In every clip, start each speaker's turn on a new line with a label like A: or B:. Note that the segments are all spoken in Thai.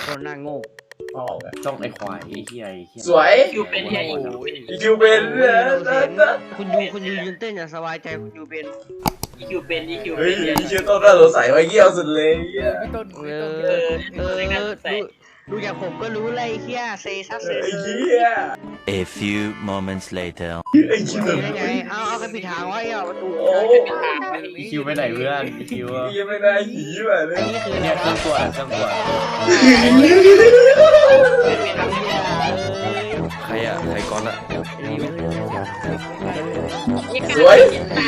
A: คนหน้าโง่
B: ออกอะจ้องไอ้ควายไอ้เหี้ย
C: สวย
D: คิวเป็นเฮียอีก
C: คิวเป็น
A: คุณยูยืนเต้นอย่างสบายใจคุณยูเป็น
D: อีคิวเป็นอีคิว
C: เฮ้ย
D: เป็น
C: ชื่อต้นน่าสงสัยไว้เยี่ยวสุดเลยเยี่ย
E: พี่ต้น
A: ดูอย่างผมก็รู้เลยเฮียเซซัสเซ
C: ไอ้
A: เซ
C: เหี้ย
F: A few moments later.
C: ไอ้คิว
A: ได้ไงเอากันผิดทางไว้เอาประตู
B: อีคิวไปไหนเพื่อนอีคิว
C: ยังไม่ได้หีแบบนี้
A: อันนี้คือ
B: เนี่ยเครื่องตัวเครื่องตัว
F: ใครอ่ะ ใครก่อนอ่ะ
C: สวย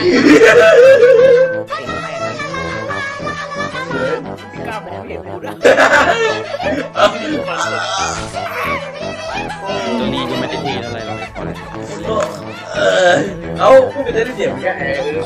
E: พี่ก้าวมองไม่เห็นกูด้วย
F: ตัวนี้ก็ไม่ได้เทอะไรหรอกไอ้ควาย
C: เอาพูดไปได้เสียงแค่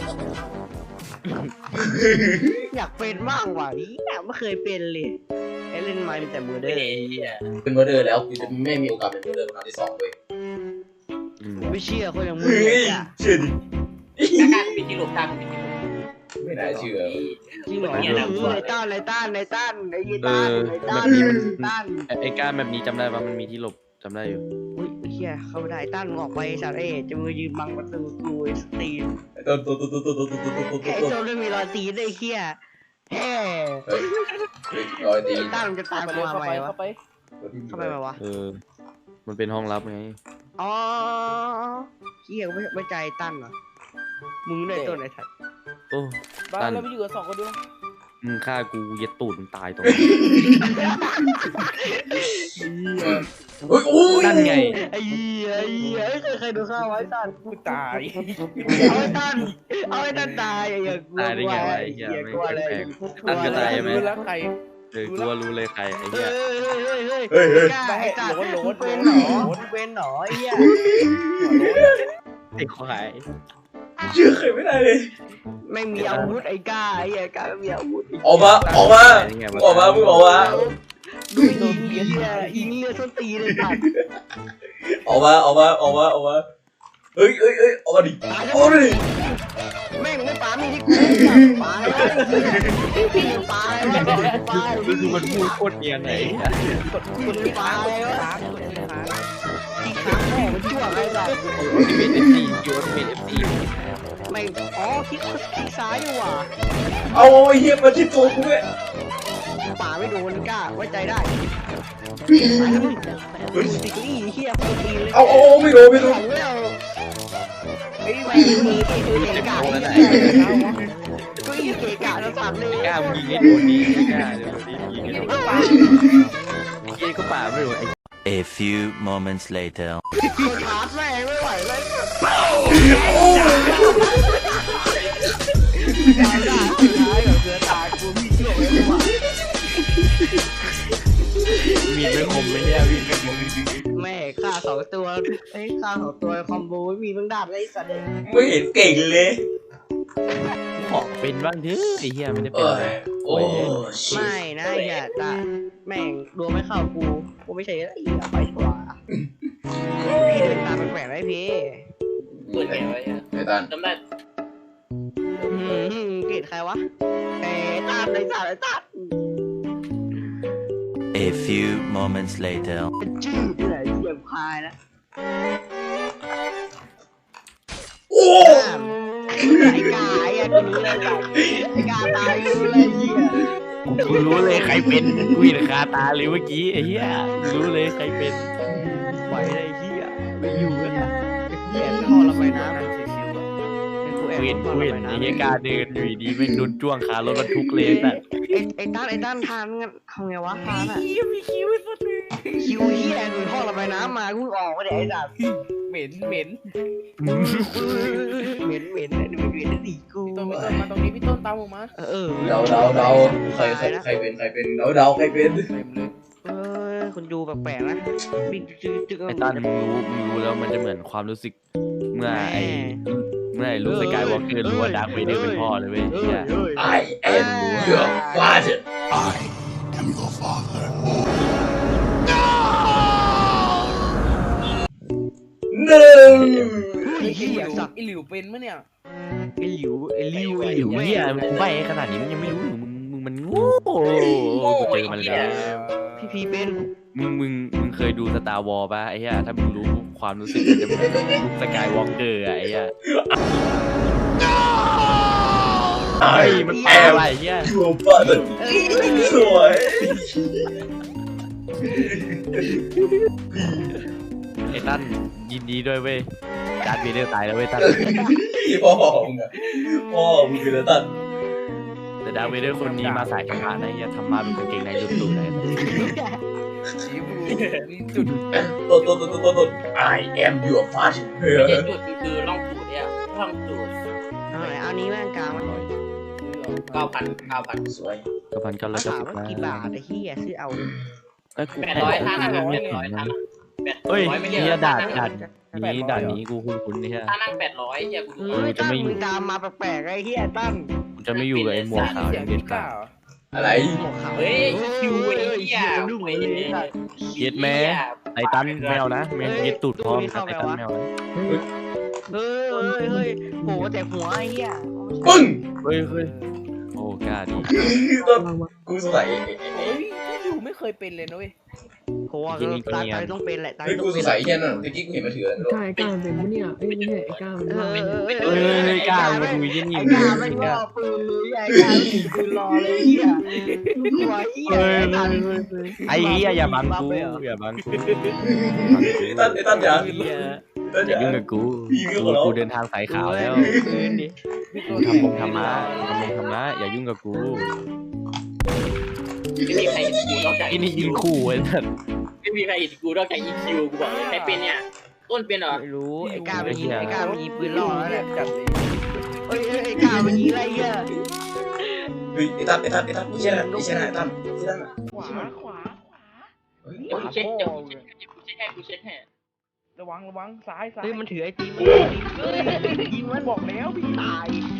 A: อยากเป็นบ้างว่ะนี่ไม่เคยเป็นเลยไอ้เล่นไม้เป็นแต่มือเด้อ
C: เป็นโมเดอร์แล้วคือจะไม่มีโอกาสเป็นโมเดอร์ครั้งที่2เลย
A: ไม่เชื่อคนอย่างมึง
C: เฮ้ย
A: อ่ะ
C: เชื่อดิ
D: กางปีที่หลบทางปีที่หลบ
C: ไม่น่าเชื่อ
A: จริงเหรอในต้านไอ้ยีต้านไอ้ต้าน
F: ไอ้การแบบนี้จำได้ปะมันมีที่หลบจำได้อยู่
A: อุ้ยเฮียเข้าไม่ได้ต้านออกไปสัตว์จะมือยืนบังประตูกูสตีน
C: ต้น
A: ไอ้โจไม่มีรอยตีนไอ้เฮียแฮ่
C: รอยตี
A: ต้านมันจะตามกูมาไหมวะ
E: เข้าไป
A: เข้าไปไหมวะ
F: มันเป็นห้องลับไง
A: อ๋อเฮียไม่ใจตั้นเหรอมึงได้ตัวไหนทัด
F: โอ้
E: บ้านเราไปอยู่กัน2 คนด้วย
F: มึงฆ่ากูเย็ดตูดมึงตายตรง
C: โอ้ยโอ้ย
F: นั่นไง
A: ไอ้เหี้ยเคยดูข้าวไว้ตั้น
E: กูตาย
A: เอาไอ้ตั้นตายอย่ากลัว
F: ตายได้ไงวะไอ้เหี้ย
A: อย่ากลัวเลย
F: ตั้นก็ตายไหม
E: รู้แล้วใคร
F: กูว่ารู้เลยใครไอ้
A: เฮ้
F: เหี้ย
A: ยไอ้ตั้นเป็นหรอเป็นหรอไอ้เหี้ย
F: ไอ้ควาย
C: เชื่อใครไม่ได้เลย
A: ไม่มีอาวุธไอ้ก้าไอ้เหี้ยก้าไม่มีอาวุธ
C: ออกมามึงออกมา
A: ดูเหี้ยอิงเลือดส้นตีเลยตัด
C: ออกมาเฮ้ยออกมาดิออกมาดิ
A: แม่งไม่ปามีที่กูปาเลยปาเลยปา
F: ก็คือมันพูดโคตรเนียนไหน
E: กด
A: คุณปาเลยวะ
E: ค้างกดค้าง
A: ที่ขาแม่มันชั่วอะไรล่ะ
F: เป็นเอฟซียูเป็นเอฟซี
A: ไม่อ๋อคลิกซ้ายดีกว่า
C: เอาไอ้เหี้ยมาที่ตัวกูเลย
A: ป่าไม่โดนกล้าไว้ใจได้ติกลี่เฮียโคตรดีเลย
C: เอาไม่รู้
A: หลังแล้วไอ้ไม่มือตัวเก่งกาก็อีเกกาแล้วสั่นเลย
F: กล้ามึงยิงไอ้โดนดีกล้าเดี๋ยวนี้ยิงไอ้โดนดีก็ป่าไม่รู้ไอ้ A few moments later
A: คนชาร์จแม่ไม่ไหวเลยตายได้ตายกับเสือตายกูมีเชื่อไว้ว่า
F: มีไม่คมไม่เนี่ยมีไม่คม
A: แม่ฆ่า2 ตัวไอ้ฆ่า2 ตัวคอมโบไม่มีเพิ่งดาบไอ้สัตว์เลย
C: ไม่เห็นเก่งเลย
F: ขอเป็นบ้างเถอะไอ้เหี้ยไม่ได้เป็นอะไร
C: โอ้
A: ไม่นะอย่าตาแม่งดวงไม่เข้ากูไม่ใช่ไอ้ไปดีกว่าพี่เดินตามแปลกๆไว้พี่
D: เปิดแกไว้
C: ไอ้ตัน
D: จำได้
A: เกลียดใครวะไอ้ตามไอ้ตาม
F: A few moments later
A: เป็นชื่อที่ไหนเสียบคายนะ
C: โอ้
A: ไอ้กาไอ้กูรู้เลยไอ้กาตายรู้เลยเหี้ย
F: กูรู้เลยใครเป็นกูเห็นคาตาเลยเมื่อกี้ไอ้เหี้ยรู้เลยใครเป็น
A: ไหวเลยเหี้ยไม่อยู่แล้วนะเหี้ยท่อระบายน้ำชิวๆอ่ะกูแอบ
F: เห็น
A: ท่อ
F: กู
A: ระ
F: เห็น
A: บาย
F: ไอ้
A: น้ำ
F: เหี้ยกาเดินอยู่ดีๆแม่งโดนจ้วงคารถบรรทุกเลยแต่
A: ไอ้ต้านทานงั้นทำไงวะทานอ่ะ
E: มีคิวไอ้สัตว์
A: คิวเหี้ยดูท่อระบายน้ำมากูออกมาเดี๋ยวไอ้สัตว์
E: เหม็น
A: เหม็นดิกู
E: ต้นมาตรงนี้พี่ต้นตามผมมา
C: เดาใครเป็นใครเป็นเดาใครเป็น
A: คุณดูแปลกๆนะบิ๊กจึ๊ก
F: ไอ้ตันมึงรู้แล้วมันจะเหมือนความรู้สึกเมื่อไอ้ลูกสกายวอล์กเกอร์รู้ว่าดาร์คเวเดอร์เป็นพ่อเลยเว้ยเหี้ย
C: I am your father
G: I am your father.
C: หนึ่ง
A: ไอ้เหี้ยสัตว์
E: ไอหลิวเป็นมั้ยเนี่ย
A: ไอ้หลิว
F: เหี้ยมันใบขนาดนี้มันยังไม่รู้มึงมันโง่กูเจอมันแล้ว
A: พี่พีเป็น
F: มึงเคยดูสตาร์วอลป่ะไอ้เหี้ยถ้ามึงรู้ความรู้สึกมันจะเหมือนลุคสกายวอล์กเกอร์อะไอ้เหี้ย
C: ไอ้
F: มัน
C: แอ
F: แปล
C: ม
F: ว่าไอ้เหี้ย
C: ยูฟันสวย
F: ไอ้ตั้นยินดีด้วยเว้ยจาร์ดเวเดอร์ตายแล้วเว้ยตั้น
C: ที่พ่อมึงอะพ่อมึงคือตัน
F: แต่ดาร์ธเวเดอร์คนนี้มาสายธรรมะนะไอ้เหี้ยธรรมะเป็นกางเกงในลุดๆเลย
E: สีบูจุด
C: ต้น I am your father
D: ไม่ใช่จุดคือล่องจุดเนี่ยล่องจุด
A: เอานี้แม่งกลางมัน
D: 9,000
C: สวย
F: กระพันก็
A: มา
F: แล้วจะ
A: ถาม
F: สุด
A: ว่า
F: นะ
A: กี่บาทไอ้เหี้ยซื้อเอา
F: ไอ้กู
D: 800ท่านั่ง800ท่า
F: เฮ้ย
D: ไม่
F: เฮี
D: เรีย
F: ย
D: ก
F: ด่านนี้กูคุ้นๆนี่ฮะ
D: ท่านั่ง800เฮียกูดู
A: เฮ้ยตั้งมึงตามมาแปลกๆไอ้เหี้ยตั้ง
F: กูจะไม่อยู่กับไอ้หมวกขาว
E: เสี
F: อย
E: ง
F: ย่างเด็
E: พี่
F: ดขา
E: ก้า
F: ด
C: อะไร
A: หมวกขาว
D: เฮ้ยคิวไอ้เหี้ย
A: ดูเหมือนเลย
F: เย็ดแม่ไอ้ตั้นแมวนะแมวเย็ดตูดพร้อมกับไอ้ตั้นแมวนะ
A: เฮ้ยโหแต่หัวไอ้เหี้ย
C: ปึ้ง
F: เฮ้ยโอ้กล้าดี
C: ต้นกูสงสัย
E: เฮ้ยพี่อยู่ไม่เคยเป็นเลยนะเว้ย
A: โหตายต้องเป็นแหละตาย
C: เฮ้ย
A: ต้อ
C: กู
A: ง
C: ส
A: เป็
C: ง
A: น
C: สัยเฮียนั่นตะกี้กูเห็นมาถือ
H: ไอ้ก้าเป็นปะเนี่ยเอ้ยไม่ใช่ไอ้ก้ามันว่า
F: เฮ้ยกล้ามาดูยี่นี่
A: ไอ้กาไม่ว่าปืนเลยไอ้กาปืนรอเลยเหี้ยหัวเหี้ย
F: ไอ้เหี้ยอย่าบังกูอย่าบังกู
C: ไอ้ตั้นอย่า ตั้น
F: อ
C: อย่า
F: ย่ายุ่งกับกูกูเดินทางสายขาวแล้ว
A: ปืนดิ
F: กูทำมะอย่ายุ่งกับกู
D: ไม่มีใครเห็นกูนอกจาก
F: ไอ้นี่ยิงคู่ไอ้สัส
D: ไม่มีใครเห็นกูนอกจาก EQ กูบอกเลยใครเป็นเนี่ยต้นเป็นเหรอ
A: ไม่รู้ไอ้กาไปยิงปืนรอแล้วแหละ
E: จัดเลย
A: เฮ้ยไอ้กาไปยิงอะไรเหี้ย
C: เฮ้ยไอ้ตั้นไม่ใช่ไอ้ตั้นที่นั่นที่นั่น
E: ขวา
D: กูเช็คกูเช็คให้
E: ระวังซ้าย
A: เฮ้ยมันถือไอ้ตีมันยิงมันบอกแล้วพี่ตาย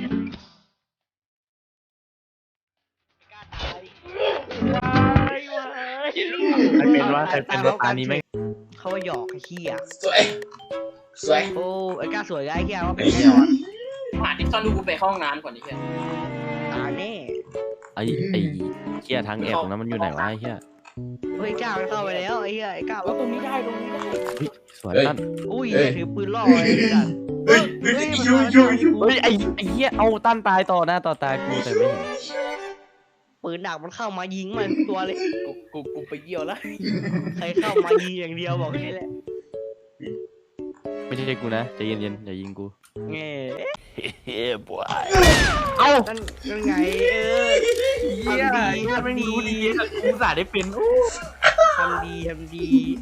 F: ใครเป็นว่าตานี้ไม่
A: เขาว่าหยอกไอ้เหี้ย
C: สวย
A: โอ้ไอ้กาสวยไอ้เหี้ยว่าเป็นแน่นอน
D: ผ่านที่ซ่อนดูกูไปเข้าห้องน้ำก่อนดิเพื่อน
A: ตาแน่
F: ไอ้เหี้ยทางแอบตรงนั้นมันอยู่ไหนวะไอ้เหี้ย
A: เฮ้ยกามันเข้าไปแล้วไอ้เหี้ยไอ้กา
E: แล้วตรงนี้ได้
F: สวยตั้น
A: อุ้ยถือปืนล่อไอ้สัส
C: เฮ้ยยู
F: เฮ้ยไอ้เหี้ยเอาตั้นตายต่อหน้าต่อตากูแต่ไม่เห็น
A: ปืนดักมันเข้ามายิงมันตัวเลย
E: กูไปเยี่ยวแล้ว
A: ใครเข้ามายิงอย่างเดียวบอกแค่แหละ
F: ไม่ใช่กูนะใจเย็นอย่ายิงกู
A: เงี้ย
F: เฮ้ยบวย
A: เอ้านั่นไงทำดี
F: กูสาได้เป็น
A: ทำดี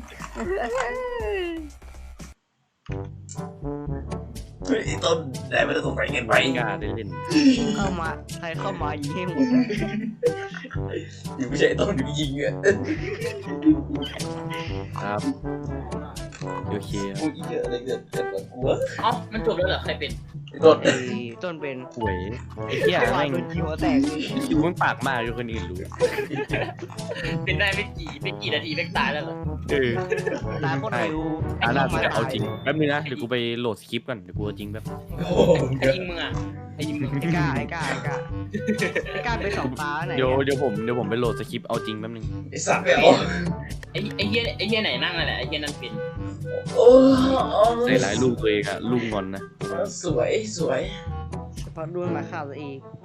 C: เฮ้ยต้นได้ไม่ต้องสงสัยเงินไป
F: ไม่กล้าได้เล่น
A: เข้ามาใครเข้ามายิงให้หมด
C: อยู่ไม่ใช่ต้นอยู่ยิงอ่ะ
F: ครับโอเค
C: กูอีเยอะอะไรเกิดกับกูวะ
D: เอ้ามันจบแล้วเหรอใครเป็น
C: ต้น
A: ต้นเป็น
F: หวยไอ้เหี้ย
A: วา
F: แม่
A: ย
F: ง
A: โดนยิงหัวแตก
F: คิวมึงปากมากอยู่คนอื่นรู้
D: เป็นได้ไม่กี่นาทีแม่งตายแล้วเหรอ
A: ตาโคตรเร็ว
F: น่าจะเอาจริงแป๊บนึงนะเดี๋ยวกูไปโหลดสคริปต์ก่อนเดี๋ยวกูเอาจริงแป๊บ
C: โอ้โห
D: ไอ้ยิงมึงอ่ะไอ้ยิงมึง
A: ไอ้กาไปสองตาไหน
F: เดี๋ยวผมไปโหลดสคริปต์เอาจริงแป๊บนึง
C: ไอ้สัตว์ไปเอา
D: ไอ้เหี้ยไหนนั่งนั่นแหละไอ้เหี้ยนั่นเป็น
C: โอ้
F: ใส่หลายลูกตัวเองอะลูกงอนนะ
C: สวย
A: เฉพาะด้วนมาฆ่าตัวเอง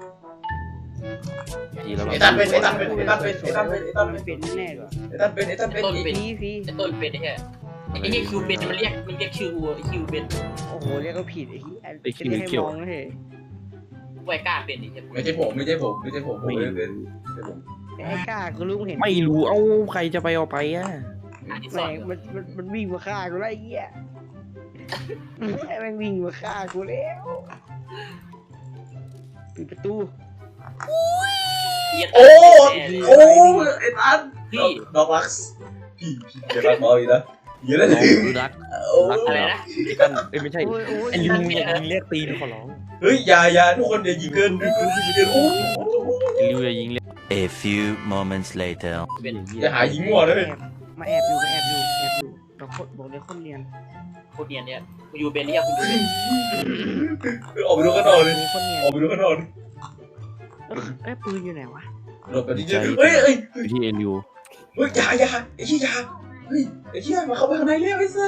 F: ทีแล้ว
C: ไอ้ตั้นเป็น
A: เป็นแน่กว่า
D: ต้นเป็น
A: พี่
D: ไอ้ต้นเป็นไอ้เหี้ยคิวเป็นมันเรียกชื่อกูไอ้คิวเป็น
A: โอ้โหเรียกก็ผิดไอ้ที่ให้มองเลย
D: ไว้กล้าเป็นไอ้เหี้ย
C: ไม่ใช่ผมผมเลยเป็น
A: ไอ้กากูรู้เห็น
F: ไม่รู้เอาใครจะไปเอาไปอะ
D: อ่านที่ส
A: แม่
D: อน
A: งมันวิ่งมาฆ่ากูแล้วไอ้เหี้ยแม่งวิ่งมาฆ่ากูแล้วปิดประตู
C: โอ้ไอ้ตั้น
D: พี่
C: ดอกลักส์พี่จะรักมออีกนะเยอะเลย
F: ดูรัก
D: อะไรนะ
F: กันไม่ใช่
A: โอ้ย
F: ไอ้ลิงอย่ายิงเรียกตีนขอร้อง
C: เฮ้ยอย่าทุกคนอย่ายิงเกินโอ้
F: ไอ้ลิวอย่ายิงเรียก
I: A few moments later.
D: เป็น
C: อย่าหายิงมั่วเลย
A: มาแอบอยู่เราโคตรบอกเลยคนเรียน
D: โคตรเนียนเนี่ยกูอยู่เป็นเนี่ยกูอยู่เป็น
C: ออกไปดูกันนอนเลย
A: มีคนเรียน
C: ออกไปดูกันนอน
A: ไอ้ปืนอยู่ไหนวะ
C: หลบไปที่เจอเฮ้ย
F: ที่เอลิว
C: เฮ้ยอย่าไอ้เหี้ยอย่าเฮ้ยไอ้เหี้ยมาเข้าไปข้างในเร็วไอ้สัส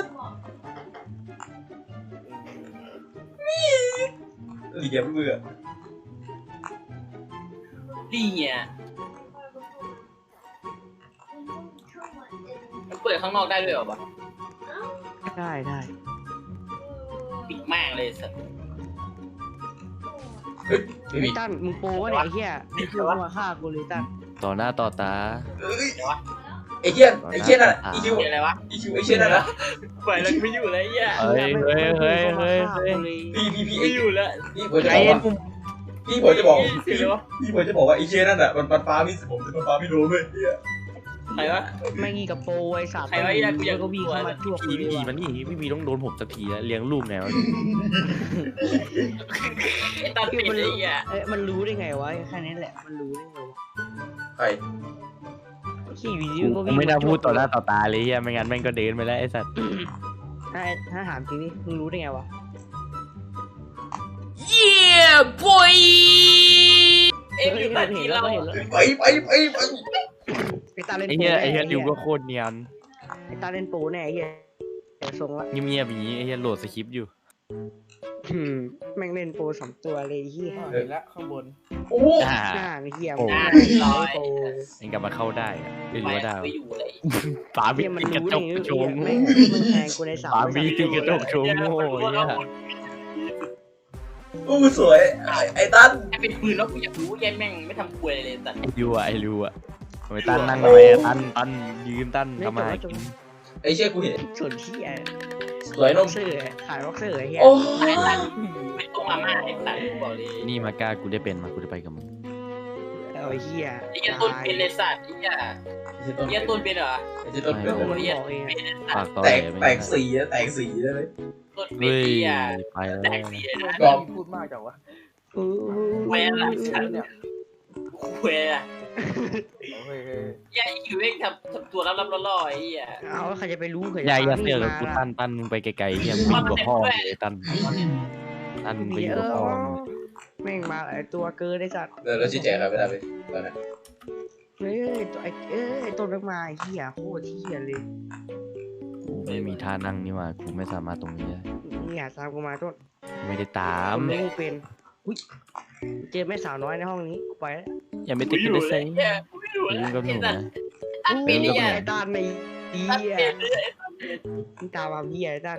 C: นี่อย่าเบื่อ
D: ดีเนี่ยมันเปิดข้างนอกได้ด้วยเหรอวะ
A: ได้
D: ปิดแม่งเลยสัตว์
C: ไม่
A: ไอ้
C: มี
A: ตั้นมึงโปวะเนี่ยไอ้เหี้ยมึงคือมึงมาฆ่ากูเลยตั้น
F: ต่อหน้าต่อตา
C: เอ้ยไอ้เหี้ยนั่นอีคิว
D: เป็นอะไรวะ
C: ไอ้เหี้ยนั่นนะ
D: ปล่อยแล้วไม่อยู่เลยไอ้เหี้ย
F: เฮ้ย
C: พี่
D: ไม่อยู่แล้ว
C: พี่ผมจะบอกว่าพี่ผมจะบอกว่าไอ้เหี้ยนั่นอ่ะมันฟ้าพี่ผมจะฟ้าพี่โดนด้วยเหี้ย
D: ใครวะ
A: แม่งอีกับโปไอ้สัตว์
D: ใครวะไอ้เหี้ยกูอยาก
A: ก็วิ่งเข้ามาทั่วกู
F: พี่
A: เลย
F: พี
A: ว่ะ
F: มันนี่พี่พีต้องโดนผมสักทีแล้วเลี้ยงลูกไงวะ
D: ไอ้ตาปิดไอ้เหี้ย
A: มันรู้ได้ไงวะแค่นี้แหละมันรู้ได้ไงวะ
C: ใคร
A: ขี่วิดี
F: กู
A: ก็วิ่ง
F: ไม่น่าพูดต่อหน้าต่อตาเลยเฮียไม่งั้นแม่งก็เดินไปแล้วไอ้สัตว์
A: ถ้าถามจริงนี่มึงรู้ได้ไงวะ
D: เอ็งอยู่ตัดทีเรา
A: เห็นแล้ว
C: ไป
A: ไอ้ตาเล่น
F: ไอ้
A: โป
F: เฮียไอ้เฮีย
A: แน่
F: ดิวก็โคตรเนียน
A: ไอ้ตาเล่นโปแน่ไอ้เหี้ยแต่ทรงละ
F: เงียบๆอย่างนี้ไอ้เฮียโหลดสคริปต์อยู่
A: แม่งเล่นโปสองตัวเลยไอ้เหี้ย
E: เห็นแล้วข้างบน
C: โอ้
F: อ่า
A: หน้าไอ้เหี้ย
F: โอ้
A: หน้า
D: ลอย
A: โป
F: เองกลับมาเข้าได้อะไม่รู้ว่าได้
D: ไม่อยู่เลย
F: ฝาบี
A: เหี้ยมัน
F: ติดกระ
A: รู้
F: จ
A: ได้
F: ก
A: ไง
F: โชว์
A: มึงแทงกูในสาม
F: ฝาบีติดกระจกโชว์โง่ไอ้เฮีย
C: โอ้สวยไอ้ตั้น
D: ให้เป็นปืนแล้วกูอยากรู้แย่แม่งไม่ทำควยเลยสัตว์
F: ไอ้ริวอะทำไมตั้นนั่งทำไมอะตั้นยืนตั้นทำไม
C: ไอ้เชี่ยกูเห็น
A: ส่วนเหี้ย
C: สวยน
A: บ็อ
C: ม
A: กเซอร์ขายบ็อกเซอร์ไอ้เหี้ย
C: โอ้
D: ไม่ต้องมาม่าไอ้สัตว์กูบอกเลย
F: นี่มากล้ากูได้เป็นมากูจะไปกับมึง
A: เอาไอ้เหี้ย
D: ไอ้เหี้ยต้นเป็นเลยสัตว์ไอ้เหี้ย
C: ไอ้
D: เหี้ยต้นเป็นเหรอ
C: เชี่ยต้น
A: มันบอกเอง
F: ฝากต่อ
C: แต
F: เลย
C: กแตกสีแตกสีเลย
D: ต้นเป็น
F: เฮ้ย
D: เหี้ย
F: ไปแล้ว
D: แตกเสียนะ
C: กรอบ
E: พูดมากจังวะ
D: แหวนละสัตว์เนี่ยควยอะ
E: เฮ้ย
D: เหี้ยไอ้คิวเอ็กทำตัวรับๆล่อๆไอ้เหี้ย
A: เอาใครจะไปรู้เข
F: อย่าเสือกกับกูตั้นมึงไปไกลๆเฮียมึงอยู่กับพ่อเลยตั้นมึงไปอยู่กับพ่อ
A: แม่งมาไอ้ตัวเกินไอ้สัตว์
C: แล้วชี้แจงอะไรไม่ได้ไปตอนนั้น
A: เฮ้ยตัวไอ้ต้นแม่งมาไอ้เหี้ยโคตรเหี้ยเลย
F: กูไม่มีท่านั่งนี่หว่ากูไม่สามารถตรงนี้ได้
A: นี่ตามกูมาต้น
F: ไม่ได้ตาม
A: รู้เป็นอุ้ยเจอแม่สาวน้อยในห้องนี้ไปแล้ว
F: อย่าไม่ติดกันเลยเซ็ง
D: เหี้ยไม่รู้
F: อย่า
D: แล้
F: ยุ่งกับหนู
D: ไอ้สัต
F: นะ
D: ว์ตัดเป็นไอ้เหี้ย
A: ไอ้ด้านในเหี้
D: ตัด
A: ย
D: เป็นเลย
A: มึงตามมาเหี้ยไอ้ด้าน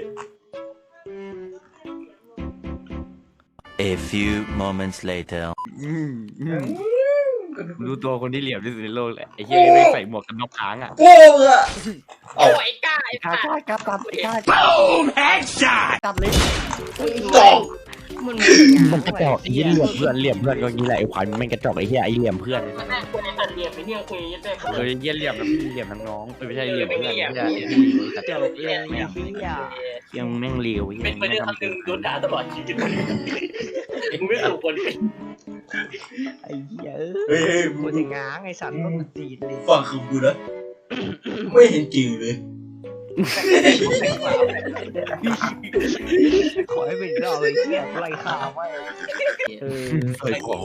I: A few moments later.
F: ดูตัวคนที่เหลี่ยมที่สุดในโลกเลยไอ้เฮียไม่ใส่หมวกกันน็อกค้างอ่ะ
C: โอ้อะ
D: โอ้ยกล้าไอ้
F: กล้า
D: สัตว์
F: กล้ากล้าไอ้กล้า
A: ตัดเลย
C: จอก
F: มันกระจอกไอ้เหี้ยเหลี่ยมเพื่อนก็งี้แหละไอ้ขวานมันกระจอกไอ้เหี้ยไอ้เหลี่ยมเพื่อน
D: มันน่ากลัวไอ้สัตว์เหลี่ยมไปเหี้ยเคยยัดได้
F: เออเหี้ยเหลี่ยมแล้วเหลี่ยมทั้งน้องไม่ใช่เหลี่ยมเพื่อนไม่ใช่
A: เจ้าเลยไอ้เหี้ย
F: ยังแม่งเลว
D: เป็นไปได้คำหนึ่งโดนด่าตลอดชีวิตมึงไม่ถูกคนเป็น
A: ไอ้เหี้ย
C: เฮ้ย
A: กูจะง้างไอ้สัตว์ต้องตีนเลย
C: ฟังคือกูนะไม่เห็นจริงเลย
A: ขอให้เป็นรอบไอ้เหี้ยไล่ข่าวไว้
F: เคยของ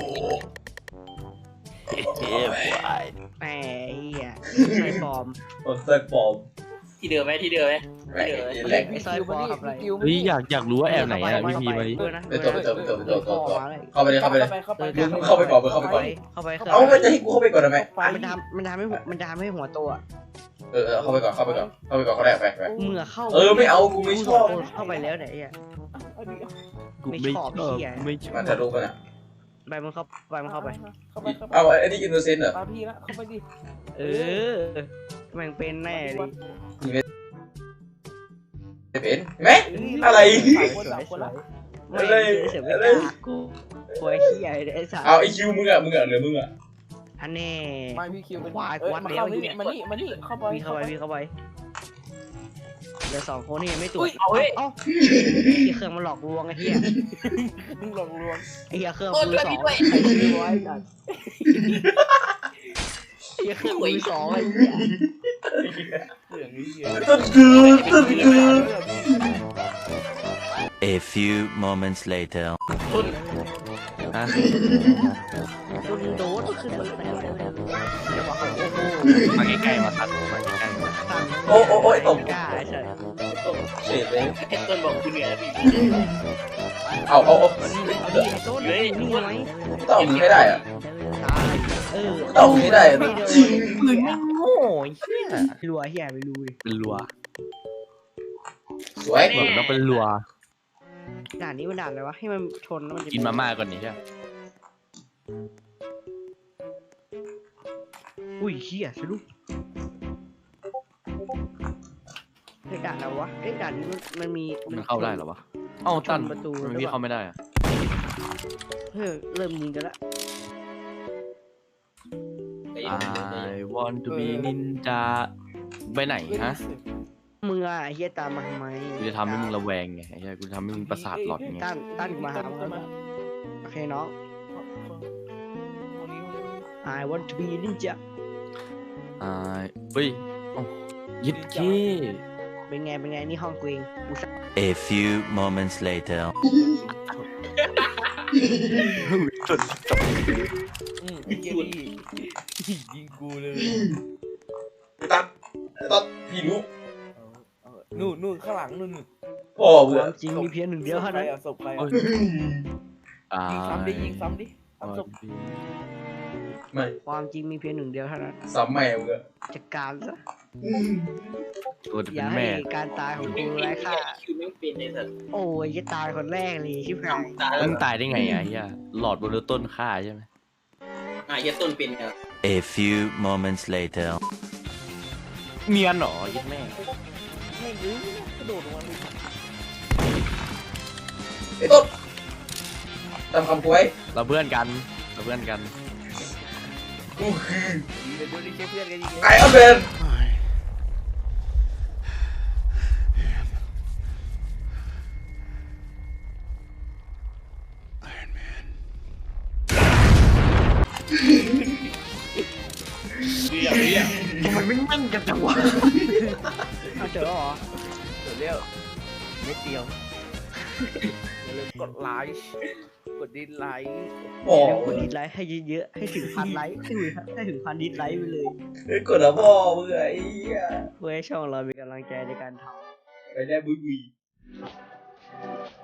F: เฮ้ย
A: แหมไอ้เหี้ยไอ้ปลอม
C: ผมใส่ปลอม
D: ที่เดิมไหมที่เดิมไหม
C: แรงแรง
A: ไอ้ซอยปลอมทำอะไร
F: เฮ้ยอยากรู้ว่าแอบไหนอ่ะพี่พีมาดิ
C: ไปตัวเข้าไปเลย
E: เข้าไป
C: มึงเข้าไปก่อนมึงเข้าไปก่อน
A: เข้าไป
C: เอามันจะให้กูเข้าไปก่อนทำไม
A: มันทำให้หัวโตอ่ะ
C: เข้าไปก่อนเขาแรกไป
A: เมื่อเข้า
C: ไม่เอากูไม่ชอบ
A: เข้าไปแล้วเนี่ยไอ้เหี้ย
F: กูไม่ชอบไม่ชอ
C: มา
F: บ
C: ถ่ายรูปกันอ่ะ
A: ไปมันเข้าไปมันเข้าไป
C: เอาไอ้นี่อินโนเซนต์เหรอ
E: มาพี่ละเข้าไปดิ
A: เออมันเป็นแน่เลย
C: เป็นไหมอะไร
A: ไม่เสียไม่กล้ากูไอ้เหี้ยไอ้สัตว์
C: เอาไอคิวมึงอ่ะหรือมึงอ่ะ
A: อันแน่
E: มาพี่คิวเป็น
A: วายวัด
E: มา
A: แล้ว
E: เข้านี่มานี่เข้าไป
A: พี่เข้าไปเหลือ2คนนี่ยังไม่ตรวจ
D: เอาเฮ้ย
A: เอ้าเครื่องมันหลอกลวงไอ้เหี้ย
E: มึงหลอกลวง
A: ไอ้เหี้ยเครื่อง
D: โอ้ย
A: มือ
D: ช่วย
A: สอง
D: พี่ด้วย
A: ไอ้ชื่อไว้สัตว์ไอ้เหี้ยเครื่องมือสองไอ้เหี้ย
E: เรื่องนี้เย
C: ต้นคือ
I: A few moments later.
F: ฮะ
A: โดนขึ้นมาแล้วจะบอกว่าโอ้โห
F: มาใกล้ๆมาตัดมาใกล้ๆมา
A: สั่ง
C: โอ้โอ้โอ้ยตก
A: กล้าไอ้สัส
C: เฉดเลย
D: ไอ้ต้นบอกกูเหนื่อยพี่
C: เอา
A: เอาดิไอ้ต้นนี่ไง
C: ต้องเอามือให้ได้อะ
A: ตายเออ
C: ต้องเอามือให้ได้อะจริง
F: ปืนไม่โง่ไอ้เหี้ย
A: รัวเฮียไม่รู้ดิ
F: เป็นรัว
C: สวย
F: เหมือนต้องเป็นรัว
A: ด่านนี้มันด่านอะไรวะให้มันชนแล้วมันจะ
F: กินมาม่าก่อนนี่ใช่ไหม
A: อุ้ยเฮียสะดุ้งเฮ้ยด่านอะไรวะเอ้ยด่านนี้มันมี
F: มันเข้าได้เหรอวะเอ้าตัน
A: ชนประตู
F: ทำไมพี่เข้าไม่ได้อะ
A: เฮ้ยเริ่มยิงกันละ
F: I want to be ninja ไปไหนฮะ
A: มึงอะไอ้เฮียตามมาทำไม
F: กูจะทำให้มึงระแวงไงไอ้เหี้ยกูจะทำให้มึงประสาทหลอนไง
A: ตั้นกูมาหามึงแล้วโอเคน้อง I want to be ninja
F: เฮ้ยเอ้ายิดเก้
A: เป็นไงนี่ห้องกูเองกูสั่ง
I: A few moments later.
E: ไอ้เหี้ยนี่ยิงกูเลย
C: ตัดตัดพี่รู้
E: นู่นข้างหลังนู่น
C: พ่อ
A: ค
C: เบื่อ
A: วามจริงมีเพียงหนึ่งเดียวเท่านั้น
E: ศพใครอ่ะ
F: I
E: ยิงซ้ำดิยิงซ้ำดิซ้ำศพ
F: want to be
C: ไม่
A: ความจริงมีเพียงหนึ่งเดียวเท่านั้น
C: ซ้ำแม่เบื่อ
A: จัดการซะ
F: ตัวจะ
A: อ
F: เป็
A: ย่าน ให้
F: แม่
A: การตายของกูไร้ค่า
D: คิวไม่เป็นไอ้สัตว์
A: โอ้ยจะตายคนแรกเลยชิบหาย
D: ตาย
F: แล้วมึงตายได้ไงอ่ะเฮียหลอดบนต้นฆ่าใช่ไหม
D: เหี้ยต้นเป็นไง
I: A few moments later.
F: เนียนเหรอยิดแม่
E: ไม่รู้กระโดดลงมาเลย
C: ไอ้ต้นตามคำกูไว้
F: เราเพื่อนกัน
C: กูคือ
E: เดี๋ยวดูดิเพื่อนกันยิง
C: ไอออนแมน
A: มันไม่แม่นกันจังวะเอาเจอแล้วเหรอ
E: เดี๋ยวเร็วเม็ดเดียวอย่าลืมกดไลค์กดดิสไลค์
C: พ่อ
A: เดี๋ยวกดดิสไลค์ให้เยอะๆให้ถึงพันไลค์ให้ถึงพันดิสไลค์ไปเลย
C: ไอ้กดอะพ่อเบื่อไอ้เหี้ย
A: เพื่อให้ช่องเรามีกำลังใจในการทำ
C: ไปได้บุยบุย